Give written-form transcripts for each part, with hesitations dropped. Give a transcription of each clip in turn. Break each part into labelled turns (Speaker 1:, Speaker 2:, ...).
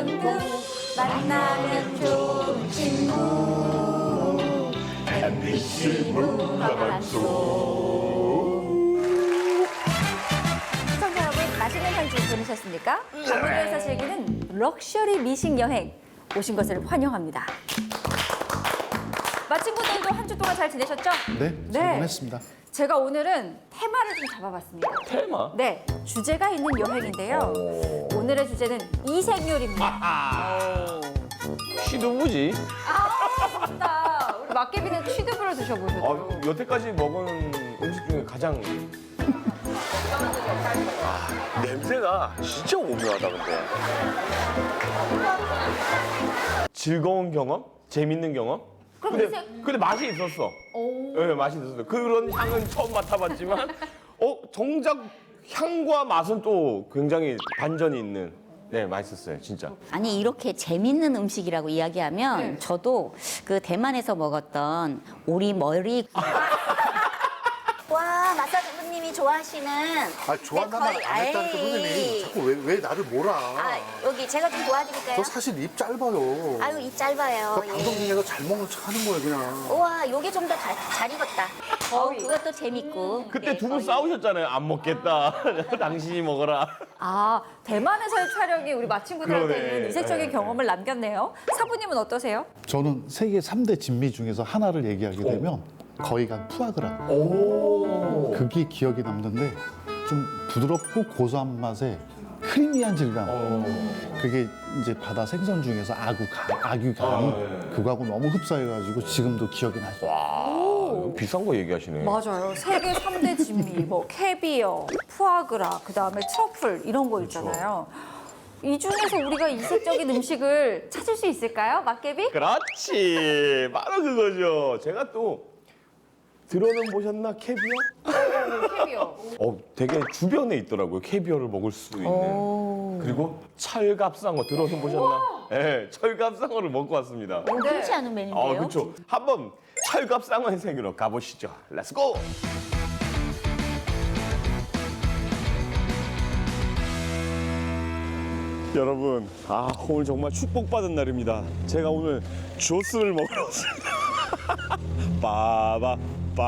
Speaker 1: 둥둥 만나면 좋은 친구 MBC 문화방송. 시청자 여러분, 맛있는 한끼 보내셨습니까? 강원도에서 즐기는 럭셔리 미식 여행 오신 것을 환영합니다. 마친구들도 한 주 동안 잘 지내셨죠?
Speaker 2: 네, 잘 보냈습니다.
Speaker 1: 제가 오늘은 테마를 좀 잡아봤습니다.
Speaker 3: 테마?
Speaker 1: 네, 주제가 있는 여행인데요. 오늘의 주제는 이색요리입니다.
Speaker 3: 취두부지?
Speaker 1: 맞다. 우리 막개비는 취두부를 드셔보셨죠?
Speaker 3: 여태까지 먹은 음식 중에 가장 냄새가 진짜 오묘하다 근데. 즐거운 경험? 재밌는 경험?
Speaker 1: 그럼
Speaker 3: 근데 맛이 있었어. 네, 맛이 있었어. 그런 향은 처음 맡아봤지만 정작 향과 맛은 또 굉장히 반전이 있는. 네, 맛있었어요, 진짜.
Speaker 4: 아니 이렇게 재밌는 음식이라고 이야기하면
Speaker 1: 네.
Speaker 4: 저도 그 대만에서 먹었던 오리 머리 와 마사주부님이 좋아하시는
Speaker 2: 아, 좋아한다는 말 안 했다니까, 선생님. 자꾸 왜 나를 몰아.
Speaker 4: 아 여기 제가 좀 도와드릴까요?
Speaker 2: 저 사실 입 짧아요.
Speaker 4: 아유 입 짧아요.
Speaker 2: 저 방송 중에서 잘 먹는 척 하는 거예요, 그냥.
Speaker 4: 우와 요게 좀 더 잘 익었다. 그것도 재밌고.
Speaker 3: 그때
Speaker 4: 네,
Speaker 3: 두 분
Speaker 4: 거의.
Speaker 3: 싸우셨잖아요. 안 먹겠다. 당신이 먹어라.
Speaker 1: 아, 대만에서의 촬영이 우리 마친구들한테는
Speaker 3: 그러네.
Speaker 1: 이색적인
Speaker 3: 네.
Speaker 1: 경험을 남겼네요. 사부님은 어떠세요?
Speaker 2: 저는 세계 3대 진미 중에서 하나를 얘기하게 되면 거의 간 푸아그라. 그게 기억이 남는데 좀 부드럽고 고소한 맛에 크리미한 질감. 그게 이제 바다 생선 중에서 아귀간. 그거하고 너무 흡사해가지고 지금도 기억이 나죠.
Speaker 3: 비싼 거 얘기하시네.
Speaker 1: 맞아요. 세계 3대 진미, 뭐 캐비어, 푸아그라, 그다음에 트러플 이런 거 있잖아요. 이 중에서 우리가 이색적인 음식을 찾을 수 있을까요? 막개비?
Speaker 3: 그렇지. 바로 그거죠. 제가 또 들어는 보셨나? 캐비어?
Speaker 1: 캐비어.
Speaker 3: 되게 주변에 있더라고요. 캐비어를 먹을 수 있는. 그리고 철갑상어 들어는 보셨나? 네, 철갑상어를 먹고 왔습니다.
Speaker 4: 흔치 않은 메뉴인데요.
Speaker 3: 그렇죠. 한번 철갑상어의 세계로 가보시죠. 렛츠고! 여러분, 오늘 정말 축복받은 날입니다. 제가 오늘 조스를 먹으러 왔습니다. 빠바.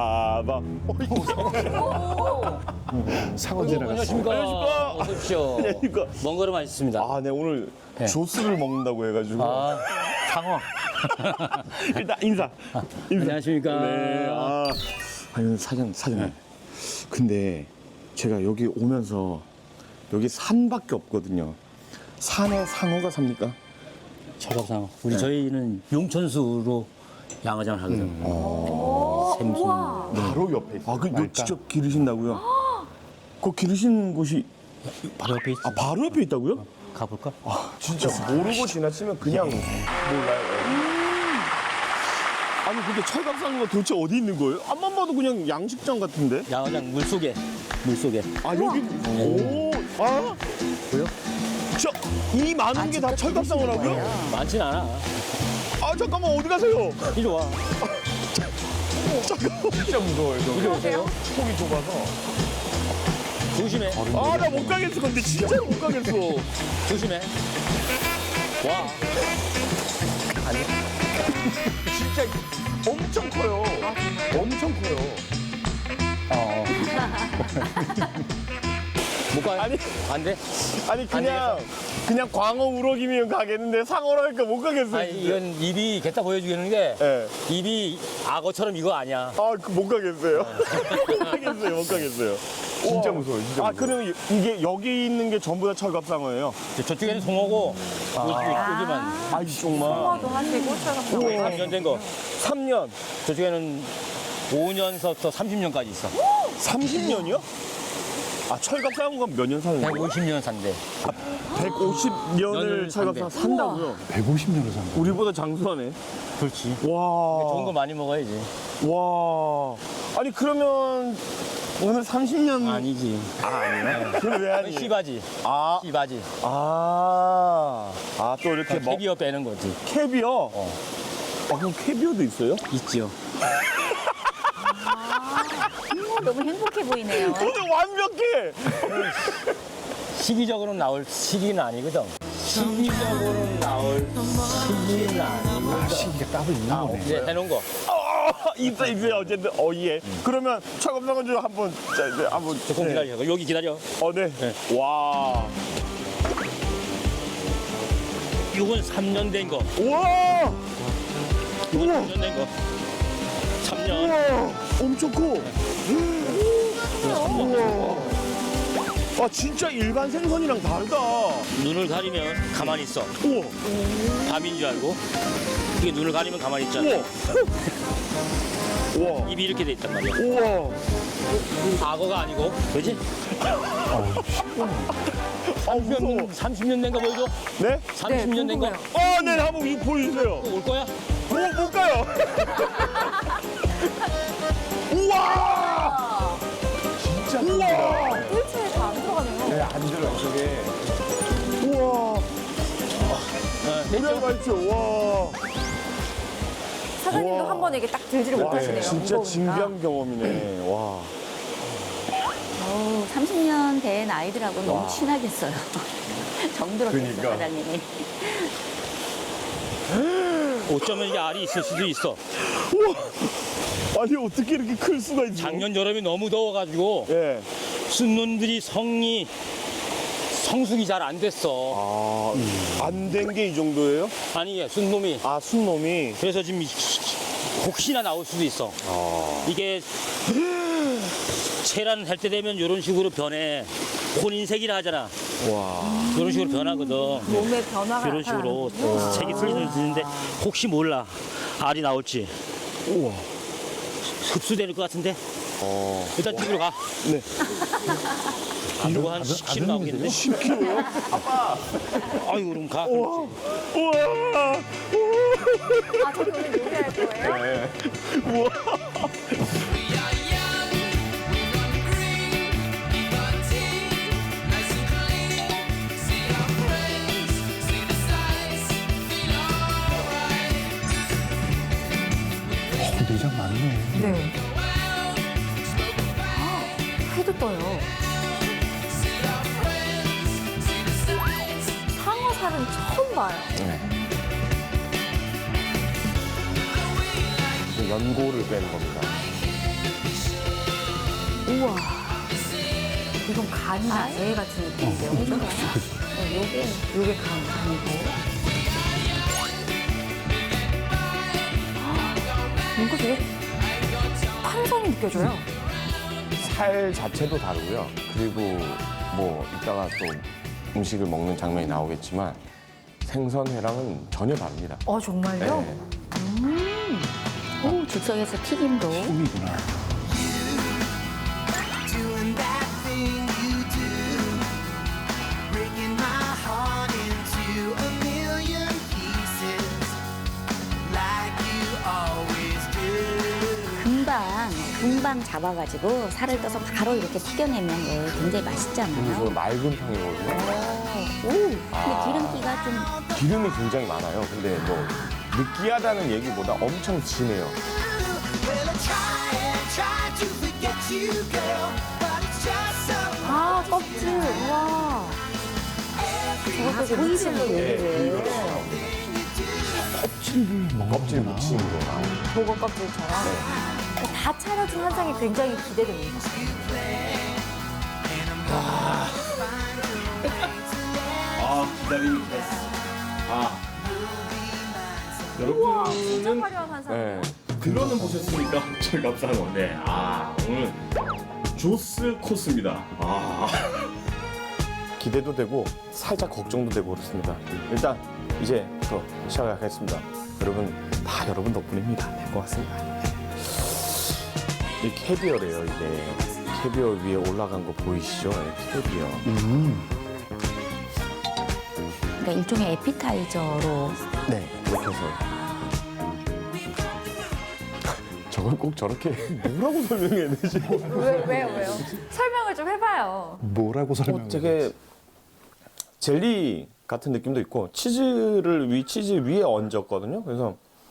Speaker 2: 상어 지나갔어.
Speaker 5: 안녕하십니까. 어서 오십시오.
Speaker 3: 안녕하십니까.
Speaker 5: 먼 걸음 하셨습니다.
Speaker 3: 네, 오늘 조스를 먹는다고 해가지고.
Speaker 5: 상어.
Speaker 3: 일단 인사.
Speaker 5: 안녕하십니까.
Speaker 3: 네. 아니, 사장님. 근데 제가 여기 오면서 여기 산밖에 없거든요. 산에 상어가 삽니까?
Speaker 5: 철갑상어. 저희는 용천수로 양어장을 하거든요. 샘순.
Speaker 3: 바로 옆에 있어요. 그거 직접 기르신다고요? 그 기르신 곳이
Speaker 5: 바로 옆에 있어.
Speaker 3: 바로 옆에 있다고요?
Speaker 5: 가볼까?
Speaker 3: 진짜 모르고 지나치면 그냥 몰라요. 아니 근데 철갑상어가 도대체 어디 있는 거예요? 앞만 봐도 그냥 양식장 같은데?
Speaker 5: 양어장 물속에.
Speaker 3: 여기
Speaker 5: 보여?
Speaker 3: 이 많은 게 다 철갑상어라고요?
Speaker 5: 많진 않아.
Speaker 3: 잠깐만 어디 가세요?
Speaker 5: 이리 와.
Speaker 3: 잠깐만 진짜 무서워요.
Speaker 5: 이리 오세요.
Speaker 3: 폭이 좁아서.
Speaker 5: 조심해.
Speaker 3: 나 못 가겠어. 근데 진짜로 못 가겠어.
Speaker 5: 조심해. 와.
Speaker 3: 진짜 엄청 커요. 엄청 커요.
Speaker 5: 못 가요?
Speaker 3: 아니.
Speaker 5: 안 돼?
Speaker 3: 아니 그냥 광어 우럭이면 가겠는데 상어라니까 못 가겠어요.
Speaker 5: 아니, 이건 입이 겠다 보여주겠는데
Speaker 3: 네.
Speaker 5: 입이 악어처럼 이거 아니야.
Speaker 3: 못 가겠어요. 못 가겠어요. 진짜 무서워요. 진짜 무서워요. 그럼 이게 여기 있는 게 전부 다 철갑상어예요?
Speaker 5: 저쪽에는 송어고 여기만
Speaker 3: 이쪽만.
Speaker 1: 홍어도 하시고 철갑상어.
Speaker 5: 3년 된 거.
Speaker 3: 3년.
Speaker 5: 저쪽에는 5년서부터 30년까지 있어.
Speaker 3: 30년이요? 철갑상어가 몇 년 사는 거예요?
Speaker 5: 150년 산대.
Speaker 3: 150년을
Speaker 5: 년을
Speaker 3: 철갑상어
Speaker 5: 산대.
Speaker 3: 산다고요?
Speaker 2: 150년을 산 거.
Speaker 3: 우리보다 장수하네.
Speaker 5: 그렇지.
Speaker 3: 와.
Speaker 5: 좋은 거 많이 먹어야지.
Speaker 3: 와. 아니 그러면 오늘 30년
Speaker 5: 아니지.
Speaker 3: 아니에요? 그럼 왜 아니에요?
Speaker 5: 시바지.
Speaker 3: 아,
Speaker 5: 시바지.
Speaker 3: 또 이렇게
Speaker 5: 캐비어 빼는 거지.
Speaker 3: 캐비어? 그럼 캐비어도 있어요?
Speaker 5: 있지요.
Speaker 4: 너무 행복해 보이네요.
Speaker 3: 오늘 완벽해!
Speaker 5: 시기적으로 나올 시기는 아니거든. 심리적으로는 나올 시기는 아니고.
Speaker 2: 시기가 따로 있나 보네.
Speaker 5: 이제 해놓은 거.
Speaker 3: 있어요. 어쨌든, 예. 그러면 차검상은 좀 한번, 자, 이제 한번.
Speaker 5: 조금 기다려. 여기 기다려.
Speaker 3: 네. 와.
Speaker 5: 이건 3년 된 거.
Speaker 3: 우와!
Speaker 5: 이건 3년 된 거. 3년.
Speaker 3: 우와! 엄청 커. 우와. 아, 진짜 일반 생선이랑 다르다.
Speaker 5: 눈을 가리면 가만히 있어.
Speaker 3: 우와.
Speaker 5: 밤인 줄 알고. 이게 눈을 가리면 가만히 있잖아.
Speaker 3: 우와. 우와.
Speaker 5: 입이 이렇게 돼 있단 말이야.
Speaker 3: 우와.
Speaker 5: 악어가 아니고, 그지?
Speaker 3: 아, 무서워.
Speaker 5: 30년 된 거 보여줘?
Speaker 3: 네?
Speaker 5: 30년 된 거?
Speaker 1: 궁금해요.
Speaker 3: 네, 한번 이거 보여주세요.
Speaker 5: 올 거야?
Speaker 3: 못 가요. 우와! 진짜 우와!
Speaker 1: 뜰채에 다 안 들어가네요.
Speaker 3: 네, 안 들어요, 저게. 우와! 우리가 있죠, 와.
Speaker 1: 사장님도
Speaker 3: 우와.
Speaker 1: 한 번에 이게 딱 들지를 못하시네요.
Speaker 3: 진짜
Speaker 1: 무거우니까.
Speaker 3: 진귀한 경험이네, 와.
Speaker 4: 30년 된 아이들하고 너무 친하겠어요. 정들었겠어요,
Speaker 3: 그러니까.
Speaker 4: 사장님이.
Speaker 5: 어쩌면 이게 알이 있을 수도 있어.
Speaker 3: 아니, 어떻게 이렇게 클 수가 있죠?
Speaker 5: 작년 여름이 너무 더워가지고
Speaker 3: 예.
Speaker 5: 순놈들이 성숙이 잘 안 됐어.
Speaker 3: 안 된 게 이 정도예요?
Speaker 5: 아니, 순놈이.
Speaker 3: 아, 순놈이.
Speaker 5: 그래서 지금 혹시나 나올 수도 있어. 이게 체란할 때 되면 이런 식으로 변해. 혼인색이라 하잖아.
Speaker 3: 와.
Speaker 5: 이런 식으로 변하거든.
Speaker 1: 몸의 변화가
Speaker 5: 이런 식으로
Speaker 1: 나타나는군요.
Speaker 5: 색이 틀리는데 혹시 몰라 알이 나올지.
Speaker 3: 우와.
Speaker 5: 흡수될 것 같은데. 일단 집으로 가.
Speaker 3: 네.
Speaker 5: 이거 한 10kg 나오겠는데?
Speaker 3: 10kg요?
Speaker 5: 아유, 그럼 가.
Speaker 3: 우와.
Speaker 1: 아, 저기 오늘 요리할 거예요?
Speaker 3: 우와.
Speaker 2: 내장 많네.
Speaker 1: 네. 해도 떠요. 상어살은 처음 봐요.
Speaker 3: 연고를 빼는 겁니다.
Speaker 1: 우와. 이건 간이나 애 같은 느낌인데요. 그죠? 요게 간이고. 뭔가 되게 탄성이 느껴져요.
Speaker 3: 살 자체도 다르고요. 그리고 뭐 이따가 또 음식을 먹는 장면이 나오겠지만 생선회랑은 전혀 다릅니다.
Speaker 1: 정말요?
Speaker 3: 네.
Speaker 4: 오, 즉석에서 튀김도.
Speaker 2: 꿈이구나.
Speaker 6: Doing that thing you do, breaking my heart into a million pieces, like you always do.
Speaker 4: 금방 잡아가지고 살을 떠서 바로 이렇게 튀겨내면 왜 굉장히 맛있잖아요.
Speaker 3: 이거 맑은 편이거든요.
Speaker 4: 근데 기름기가 좀
Speaker 3: 기름이 굉장히 많아요. 근데 뭐 느끼하다는 얘기보다 엄청 진해요.
Speaker 6: Well, I try to forget you, girl, but it's just so
Speaker 1: 아, 껍질. 우와. 저것도 무침 요리를.
Speaker 3: 껍질 묻힌 거 나오고.
Speaker 1: 보고 껍질처럼. 다 차려진 한상이 굉장히 기대됩니다. 우와, 진짜 화려한 한상.
Speaker 3: 네.
Speaker 7: 들어는 보셨습니까? 저희 감사한 네. 오늘 조스 코스입니다.
Speaker 3: 기대도 되고 살짝 걱정도 되고 그렇습니다. 일단 이제부터 시작하겠습니다. 여러분 다 여러분 덕분입니다. 네, 고맙습니다. 이 캐비어래요. 이게 캐비어 위에 올라간 거 보이시죠? 네, 캐비어.
Speaker 4: 그러니까 일종의 에피타이저로
Speaker 3: 네, 이렇게 해서 저걸 꼭 저렇게 뭐라고 설명해야 되지?
Speaker 1: 왜요? 설명을 좀 해봐요.
Speaker 2: 뭐라고 설명해?
Speaker 3: 되게 젤리 같은 느낌도 있고 치즈 위에 얹었거든요. 그래서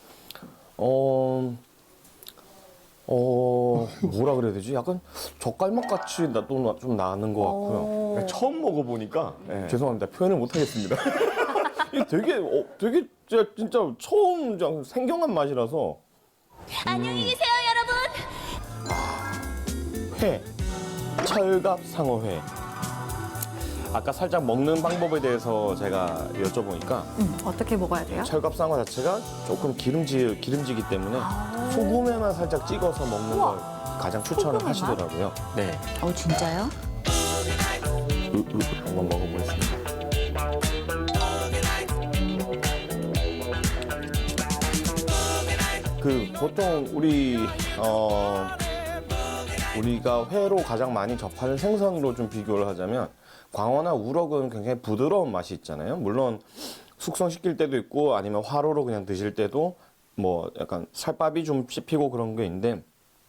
Speaker 3: 뭐라 그래야 되지? 약간 젓갈맛 같이 좀 나는 것 같고요. 처음 먹어보니까 죄송합니다. 표현을 못 하겠습니다. 이게 되게 진짜 처음 생경한 맛이라서.
Speaker 4: 안녕히 계세요, 여러분.
Speaker 3: 회, 철갑상어회. 아까 살짝 먹는 방법에 대해서 제가 여쭤보니까
Speaker 1: 어떻게 먹어야 돼요?
Speaker 3: 철갑상어 자체가 조금 기름지기 때문에 소금에만 살짝 찍어서 먹는 걸 가장 추천을
Speaker 1: 소금에만?
Speaker 3: 하시더라고요. 네,
Speaker 4: 진짜요?
Speaker 3: 한번 먹어보겠습니다. 보통 우리가 회로 가장 많이 접하는 생선으로 좀 비교를 하자면 광어나 우럭은 굉장히 부드러운 맛이 있잖아요. 물론 숙성시킬 때도 있고 아니면 화로로 그냥 드실 때도 뭐 약간 살밥이 좀 씹히고 그런 게 있는데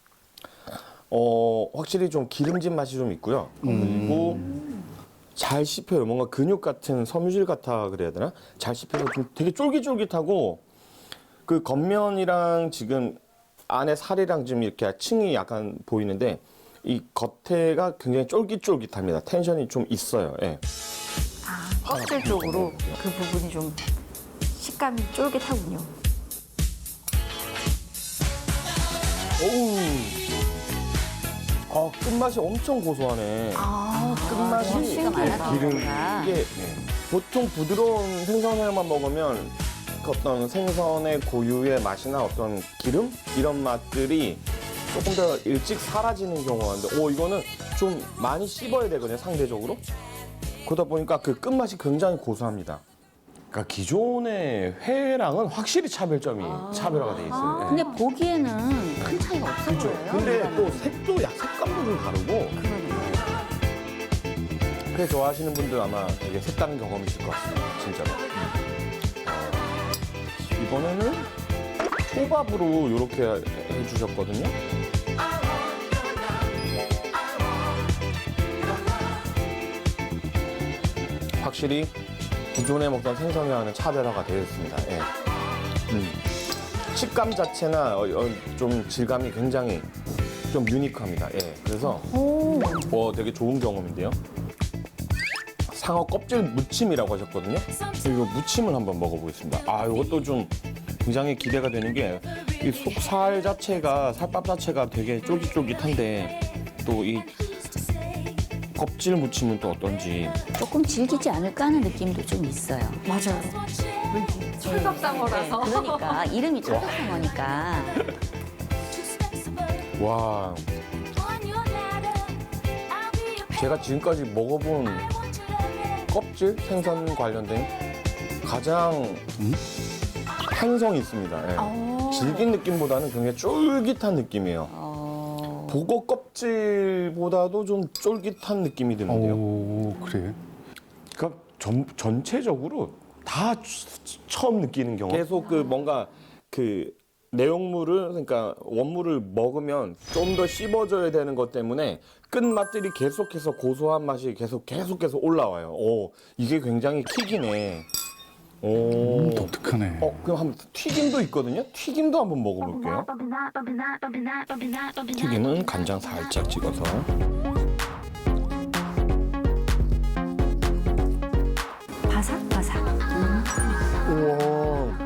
Speaker 3: 확실히 좀 기름진 맛이 좀 있고요. 그리고 잘 씹혀요. 뭔가 근육 같은 섬유질 같아 그래야 되나? 잘 씹혀서 좀 되게 쫄깃쫄깃하고 그 겉면이랑 지금 안에 살이랑 지금 이렇게 층이 약간 보이는데 이 겉에가 굉장히 쫄깃쫄깃합니다. 텐션이 좀 있어요. 예.
Speaker 1: 껍질 쪽으로 그 부분이 좀 식감이 쫄깃하군요.
Speaker 3: 어우. 끝맛이 엄청 고소하네. 끝맛이
Speaker 4: 씨가 많아서
Speaker 3: 기름
Speaker 4: 그런가?
Speaker 3: 이게 보통 부드러운 생선회만 먹으면 그 어떤 생선의 고유의 맛이나 어떤 기름 이런 맛들이 조금 더 일찍 사라지는 경우가 있는데 이거는 좀 많이 씹어야 되거든요, 상대적으로. 그러다 보니까 그 끝맛이 굉장히 고소합니다. 그러니까 기존의 회랑은 확실히 차별화가 돼 있어요. 예.
Speaker 4: 근데 보기에는 큰 차이가 없어
Speaker 3: 그렇죠.
Speaker 4: 보여요.
Speaker 3: 근데 또 색감도 좀 다르고. 회 좋아하시는 분들 아마 되게 색다른 경험이실 것 같습니다. 진짜로. 이번에는 초밥으로 이렇게 해주셨거든요. 확실히 기존에 먹던 생선회와는 차별화가 되어 있습니다. 예. 식감 자체나 좀 질감이 굉장히 좀 유니크합니다. 예. 그래서 되게 좋은 경험인데요. 상어 껍질 무침이라고 하셨거든요. 이거 무침을 한번 먹어보겠습니다. 이것도 좀 굉장히 기대가 되는 게 이 속살 자체가 살밥 자체가 되게 쫄깃쫄깃한데 또 이 껍질 무침은 또 어떤지.
Speaker 4: 조금 질기지 않을까 하는 느낌도 좀 있어요.
Speaker 1: 맞아요. 철갑상어라서.
Speaker 4: 그러니까 이름이 철갑상어니까.
Speaker 3: 와, 제가 지금까지 먹어본 껍질 생선 관련된 가장 향성이 있습니다. 예. 질긴 느낌보다는 굉장히 쫄깃한 느낌이에요. 보고 껍질보다도 좀 쫄깃한 느낌이 드는데요.
Speaker 2: 오, 그래.
Speaker 3: 그러니까 전체적으로 다 처음 느끼는 경험. 계속 뭔가 내용물을 그러니까 원물을 먹으면 좀 더 씹어줘야 되는 것 때문에 끝맛들이 계속해서 고소한 맛이 계속해서 올라와요. 이게 굉장히 킥이네.
Speaker 2: 독특하네.
Speaker 3: 그럼 한번 튀김도 있거든요. 튀김도 한번 먹어볼게요. 튀김은 간장 살짝 찍어서.
Speaker 1: 바삭바삭.
Speaker 3: 우와.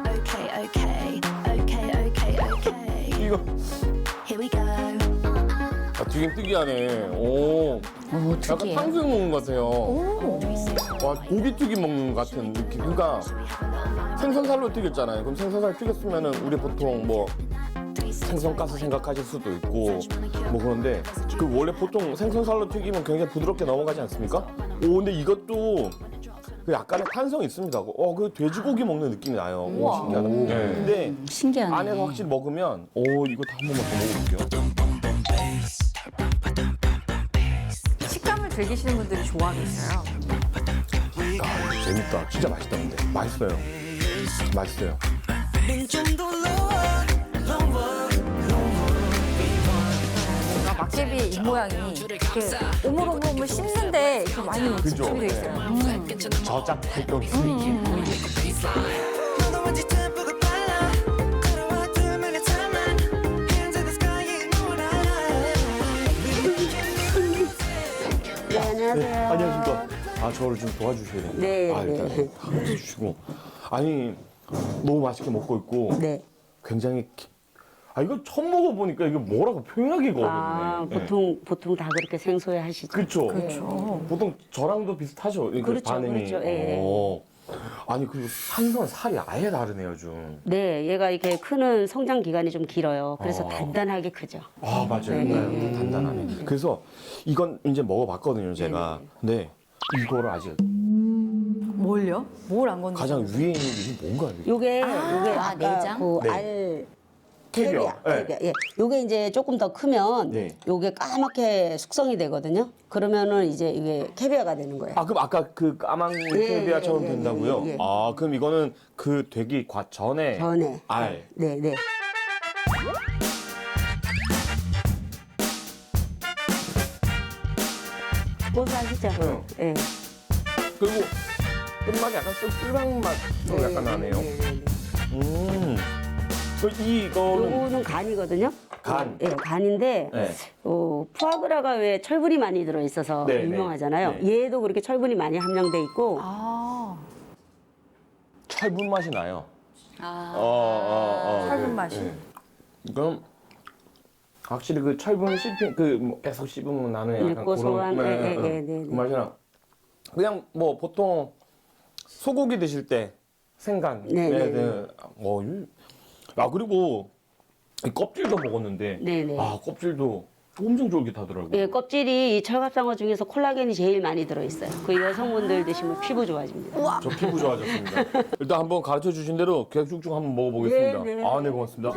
Speaker 3: 이거
Speaker 6: Here we go.
Speaker 3: 튀김 특이하네. 약간
Speaker 4: 특이해요.
Speaker 3: 탕수육 먹는 것 같아요. 와, 고기 튀김 먹는 것 같은 느낌. 그러니까 생선살로 튀겼잖아요. 그럼 생선살 튀겼으면은 우리 보통 뭐 생선가스 생각하실 수도 있고 뭐 그런데 원래 보통 생선살로 튀기면 굉장히 부드럽게 넘어가지 않습니까? 근데 이것도 그 약간의 탄성이 있습니다. 그 돼지고기 먹는 느낌이 나요. 신기하다. 네. 근데
Speaker 4: 신기하네.
Speaker 3: 안에서 확실히 먹으면 이거 다 한 번만 더 먹어볼게요.
Speaker 1: 식감을 즐기시는 분들이 좋아하겠어요.
Speaker 3: 재밌다. 진짜 맛있다 근데. 맛있어요.
Speaker 1: 막개비의 입 모양이 이렇게 오물오물 씹는데 이렇게 많이 집중이 돼 있어요.
Speaker 3: 저작 활동.
Speaker 6: 너무지 템포가 빨라 걸어와 2minutes timeline Hands in the sky yeah, you know what I like
Speaker 3: 안녕하십니까. 저를 좀 도와주셔야 됩니다.
Speaker 4: 네,
Speaker 3: 일단
Speaker 4: 네.
Speaker 3: 다 해주시고. 아니 너무 맛있게 먹고 있고
Speaker 8: 네.
Speaker 3: 굉장히 이거 처음 먹어보니까 이게 뭐라고 표현하기가 어렵네.
Speaker 8: 보통 다 그렇게 생소해 하시죠.
Speaker 3: 그렇죠.
Speaker 1: 그렇죠.
Speaker 3: 보통 저랑도 비슷하죠. 이게
Speaker 8: 그렇죠,
Speaker 3: 반응이.
Speaker 8: 그렇죠. 예.
Speaker 3: 아니 그리고 한선 살이 아예 다르네요 좀.
Speaker 8: 네, 얘가 이렇게 크는 성장 기간이 좀 길어요. 그래서
Speaker 3: 어.
Speaker 8: 단단하게 크죠.
Speaker 3: 아 맞아요. 네, 단단하네. 그래서 이건 이제 먹어봤거든요 제가. 근데 이거를 아직
Speaker 1: 뭘요? 뭘 안 건드려?
Speaker 3: 가장 위에 있는 게 뭔가요? 이게?
Speaker 8: 요게 아까
Speaker 4: 내장?
Speaker 8: 그
Speaker 3: 네.
Speaker 8: 알
Speaker 3: 캐비어. 네.
Speaker 8: 캐비어. 예. 요게 이제 조금 더 크면
Speaker 3: 네.
Speaker 8: 요게 까맣게 숙성이 되거든요. 그러면은 이제 이게 캐비어가 되는 거예요.
Speaker 3: 아 그럼 아까 그 까만 캐비아처럼
Speaker 8: 예,
Speaker 3: 된다고요?
Speaker 8: 예.
Speaker 3: 아 그럼 이거는 그 되기 전에
Speaker 8: 전에.
Speaker 3: 알.
Speaker 8: 네, 네. 고소하시죠?
Speaker 3: 응.
Speaker 8: 예.
Speaker 3: 그리고 끝맛이 약간 꿀빵 맛도 약간 나네요. 이거는
Speaker 8: 요거는 간이거든요.
Speaker 3: 간.
Speaker 8: 예, 간인데
Speaker 3: 네.
Speaker 8: 푸아그라가 왜 철분이 많이 들어 있어서
Speaker 3: 네,
Speaker 8: 유명하잖아요.
Speaker 3: 네.
Speaker 8: 얘도 그렇게 철분이 많이 함량돼 있고
Speaker 1: 아,
Speaker 3: 철분 맛이 나요.
Speaker 1: 철분 맛이.
Speaker 3: 그럼 확실히 그 철분 씹힌 그뭐 계속 씹으면 나는 약간
Speaker 8: 고소한
Speaker 3: 그런
Speaker 8: 네.
Speaker 3: 그 맛이 나. 그냥 뭐 보통 소고기 드실 때 생간.
Speaker 8: 네.
Speaker 3: 그리고 이 껍질도 먹었는데
Speaker 8: 네.
Speaker 3: 껍질도 엄청 쫄깃하더라고요.
Speaker 8: 예, 껍질이 이 철갑상어 중에서 콜라겐이 제일 많이 들어 있어요. 그 여성분들 드시면 피부 좋아집니다.
Speaker 3: 저 피부 좋아졌습니다. 일단 한번 가르쳐 주신 대로 그냥 쭉쭉 한번 먹어보겠습니다.
Speaker 8: 네.
Speaker 3: 네, 고맙습니다.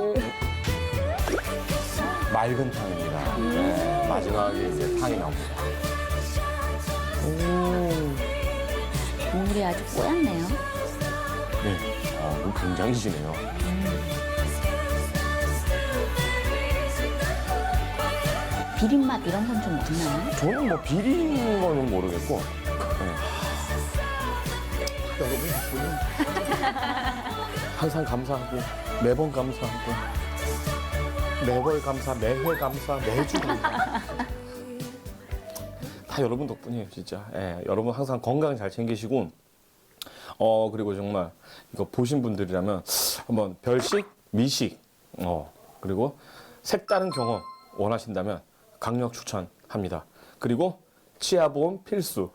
Speaker 3: 맑은 탕입니다. 네, 마지막에 이제 탕이 나옵니다.
Speaker 4: 국물이 아주 뽀얗네요.
Speaker 3: 네, 이거 굉장히 진해요.
Speaker 4: 비린맛 이런 건 좀 없나요?
Speaker 3: 저는 뭐 비린 거는 모르겠고. 항상 감사하고 매번 감사하고 매월 감사, 매회 감사, 매주 감사. 다 여러분 덕분이에요, 진짜. 예, 여러분 항상 건강 잘 챙기시고, 그리고 정말 이거 보신 분들이라면 한번 별식, 미식, 그리고 색다른 경험 원하신다면 강력 추천합니다. 그리고 치아보험 필수.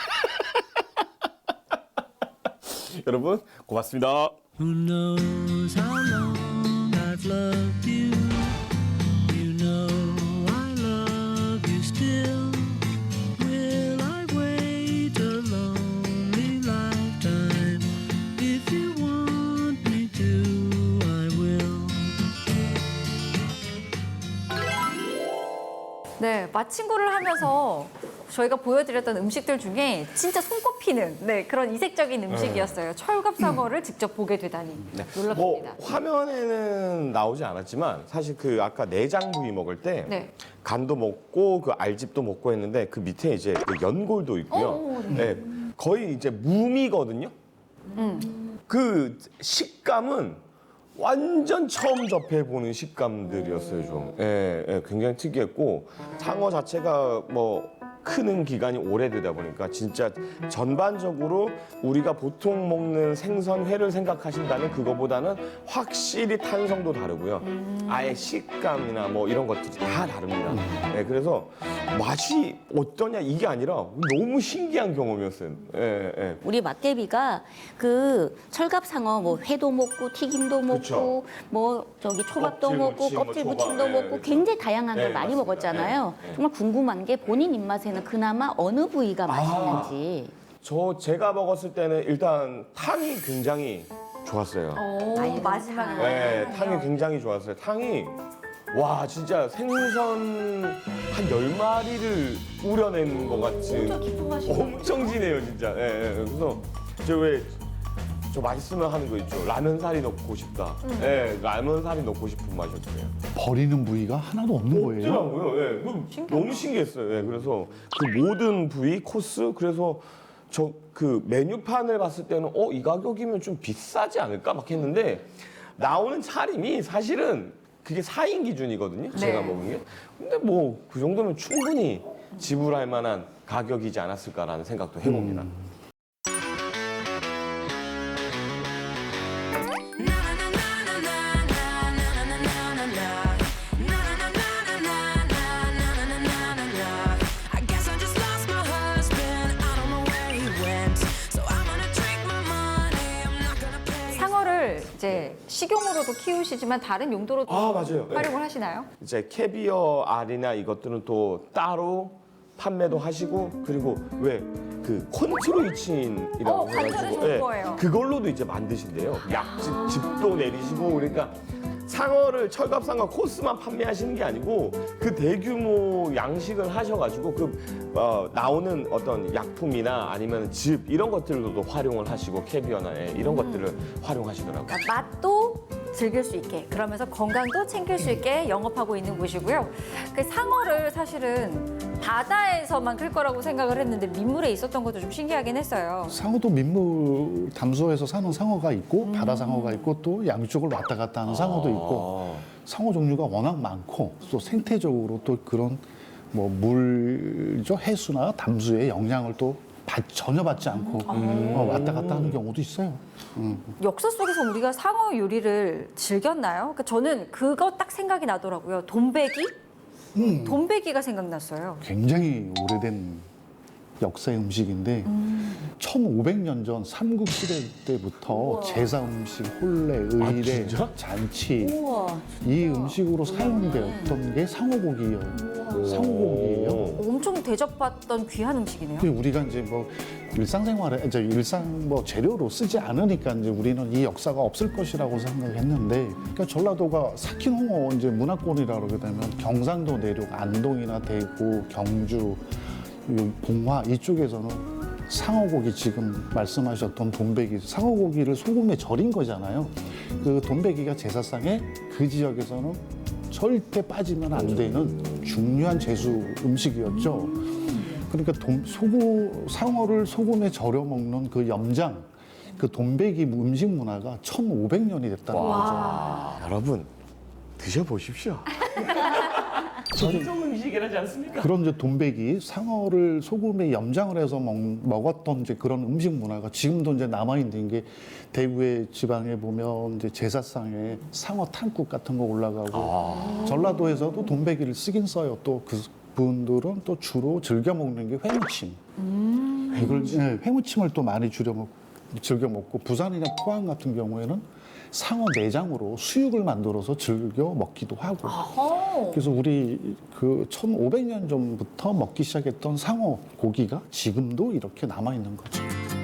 Speaker 3: 여러분 고맙습니다.
Speaker 6: Who knows how long I've loved you? You know I love you still. Will I wait a lonely lifetime? If you want me to, I will.
Speaker 1: 네, 마친구를 하면서 저희가 보여드렸던 음식들 중에 진짜 손꼽히는 그런 이색적인 음식이었어요. 철갑상어를 직접 보게 되다니 놀랍습니다.
Speaker 3: 뭐 화면에는 나오지 않았지만 사실 그 아까 내장 부위 먹을 때
Speaker 1: 네.
Speaker 3: 간도 먹고 그 알집도 먹고 했는데 그 밑에 이제 그 연골도 있고요. 네, 거의 이제 무미거든요. 그 식감은 완전 처음 접해보는 식감들이었어요, 좀. 굉장히 특이했고, 상어 자체가 뭐 크는 기간이 오래되다 보니까 진짜 전반적으로 우리가 보통 먹는 생선회를 생각하신다면 그거보다는 확실히 탄성도 다르고요. 아예 식감이나 뭐 이런 것들이 다 다릅니다. 그래서 맛이 어떠냐 이게 아니라 너무 신기한 경험이었어요.
Speaker 4: 우리 막개비가 그 철갑상어 뭐 회도 먹고 튀김도 먹고
Speaker 3: 그쵸.
Speaker 4: 뭐 저기 초밥도
Speaker 3: 껍질
Speaker 4: 먹고
Speaker 3: 무침,
Speaker 4: 껍질
Speaker 3: 뭐 초밥,
Speaker 4: 무침도 먹고
Speaker 3: 그쵸.
Speaker 4: 굉장히 다양한 걸 많이
Speaker 3: 맞습니다.
Speaker 4: 먹었잖아요. 정말 궁금한 게 본인 입맛에는 그나마 어느 부위가 맛있는지.
Speaker 3: 제가 먹었을 때는 일단 탕이 굉장히 좋았어요.
Speaker 1: 오, 마지막에.
Speaker 3: 탕이 굉장히 좋았어요. 탕이 와 진짜 생선 한 10마리를 우려낸 것 같이 엄청 진해요 진짜. 그래서 저 맛있으면 하는 거 있죠. 라면 사리 넣고 싶다. 라면 사리 넣고 싶은 맛이었어요.
Speaker 2: 버리는 부위가 하나도 없는 거예요.
Speaker 3: 없더라고요. 너무 신기했어요. 그래서 그 모든 부위 코스 그래서 저 그 메뉴판을 봤을 때는 이 가격이면 좀 비싸지 않을까 막 했는데 나오는 차림이 사실은 그게 4인 기준이거든요. 제가 먹은 게. 근데 뭐 그 정도면 충분히 지불할 만한 가격이지 않았을까라는 생각도 해봅니다.
Speaker 1: 식용으로도 키우시지만 다른 용도로도
Speaker 3: 아, 맞아요. 네.
Speaker 1: 활용을 하시나요?
Speaker 3: 이제 캐비어 알이나 이것들은 또 따로 판매도 하시고 그리고 왜 그 콘트로이친이라고
Speaker 1: 관절에 좋은 거예요.
Speaker 3: 그걸로도 이제 만드신대요. 약즙도 내리시고 그러니까 상어를 철갑상어 코스만 판매하시는 게 아니고 그 대규모 양식을 하셔가지고 나오는 어떤 약품이나 아니면 즙 이런 것들로도 활용을 하시고 캐비어나 이런 것들을 활용하시더라고요.
Speaker 1: 그러니까 맛도 즐길 수 있게 그러면서 건강도 챙길 수 있게 영업하고 있는 곳이고요. 그 상어를 사실은 바다에서만 클 거라고 생각을 했는데 민물에 있었던 것도 좀 신기하긴 했어요.
Speaker 2: 상어도 민물 담소에서 사는 상어가 있고 바다 상어가 있고 또 양쪽을 왔다 갔다 하는 상어도 있고 상어 종류가 워낙 많고 또 생태적으로 또 그런 뭐 물죠 해수나 담수의 영향을 또 전혀 받지 않고 왔다 갔다 하는 경우도 있어요.
Speaker 1: 역사 속에서 우리가 상어 요리를 즐겼나요? 그러니까 저는 그거 딱 생각이 나더라고요. 돈베기? 돈베기가 생각났어요.
Speaker 2: 굉장히 오래된 역사의 음식인데 1500년 전 삼국시대 때부터 제사 음식, 혼례, 의례, 잔치 이 음식으로 사용되었던 게 상어고기예요. 상어고기예요.
Speaker 1: 엄청 대접받던 귀한 음식이네요.
Speaker 2: 근데 우리가 이제 뭐 일상생활에 이제 일상 뭐 재료로 쓰지 않으니까 이제 우리는 이 역사가 없을 것이라고 생각했는데 그러니까 전라도가 삭힌 홍어 이제 문화권이라 그러게 되면 경상도 내륙 안동이나 대구, 경주 봉화 이쪽에서는 상어고기 지금 말씀하셨던 돈베기 상어고기를 소금에 절인 거잖아요. 그 돈베기가 제사상에 그 지역에서는 절대 빠지면 안 되는 중요한 제수 음식이었죠. 그러니까 상어를 소금에 절여 먹는 그 염장, 그 돈베기 음식 문화가 1,500년이 됐다는 거죠.
Speaker 3: 여러분 드셔보십시오. 전통 음식이라지 않습니까?
Speaker 2: 그런 이제 돈베기, 상어를 소금에 염장을 해서 먹었던 이제 그런 음식 문화가 지금도 이제 남아있는 게 대구의 지방에 보면 이제 제사상에 상어 탕국 같은 거 올라가고 전라도에서도 돈베기를 쓰긴 써요. 또 그분들은 또 주로 즐겨 먹는 게 회무침. 회무침을 또 많이 즐겨 먹고 부산이나 포항 같은 경우에는 상어 내장으로 수육을 만들어서 즐겨 먹기도 하고. 그래서 우리 그 1500년 전부터 먹기 시작했던 상어 고기가 지금도 이렇게 남아 있는 거죠.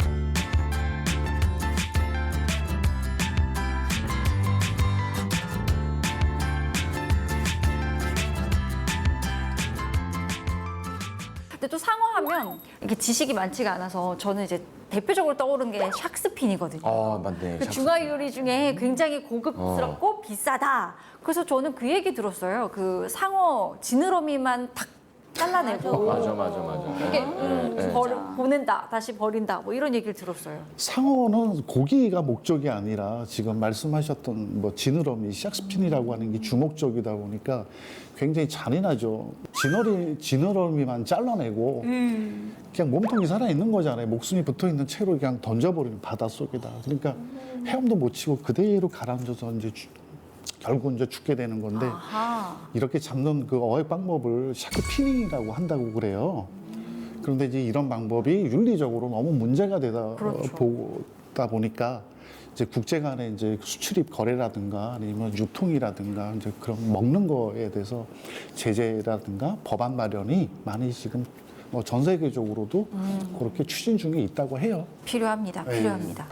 Speaker 1: 근데 또 상어 하면 이렇게 지식이 많지가 않아서 저는 이제 대표적으로 떠오르는 게 샥스핀이거든요.
Speaker 3: 아 맞네.
Speaker 1: 그 중화 요리 중에 굉장히 고급스럽고 비싸다. 그래서 저는 그 얘기 들었어요. 그 상어 지느러미만 탁 잘라내고
Speaker 3: 맞아.
Speaker 1: 이게 보낸다, 다시 버린다, 뭐 이런 얘기를 들었어요.
Speaker 2: 상어는 고기가 목적이 아니라 지금 말씀하셨던 뭐 지느러미, 샥스핀이라고 하는 게 주목적이다 보니까 굉장히 잔인하죠. 지느러미만 잘라내고 그냥 몸통이 살아있는 거잖아요. 목숨이 붙어있는 채로 그냥 던져버리는 바닷속에다. 그러니까 헤엄도 못 치고 그대로 가라앉아서 이제 결국 이제 죽게 되는 건데 이렇게 잡는 그 어획 방법을 샤크피닝이라고 한다고 그래요. 그런데 이제 이런 방법이 윤리적으로 너무 문제가 보다 보니까 이제 국제 간의 이제 수출입 거래라든가 아니면 유통이라든가 이제 그런 먹는 거에 대해서 제재라든가 법안 마련이 많이 지금 뭐 전 세계적으로도 그렇게 추진 중에 있다고 해요.
Speaker 1: 필요합니다.
Speaker 2: 네.
Speaker 1: 필요합니다.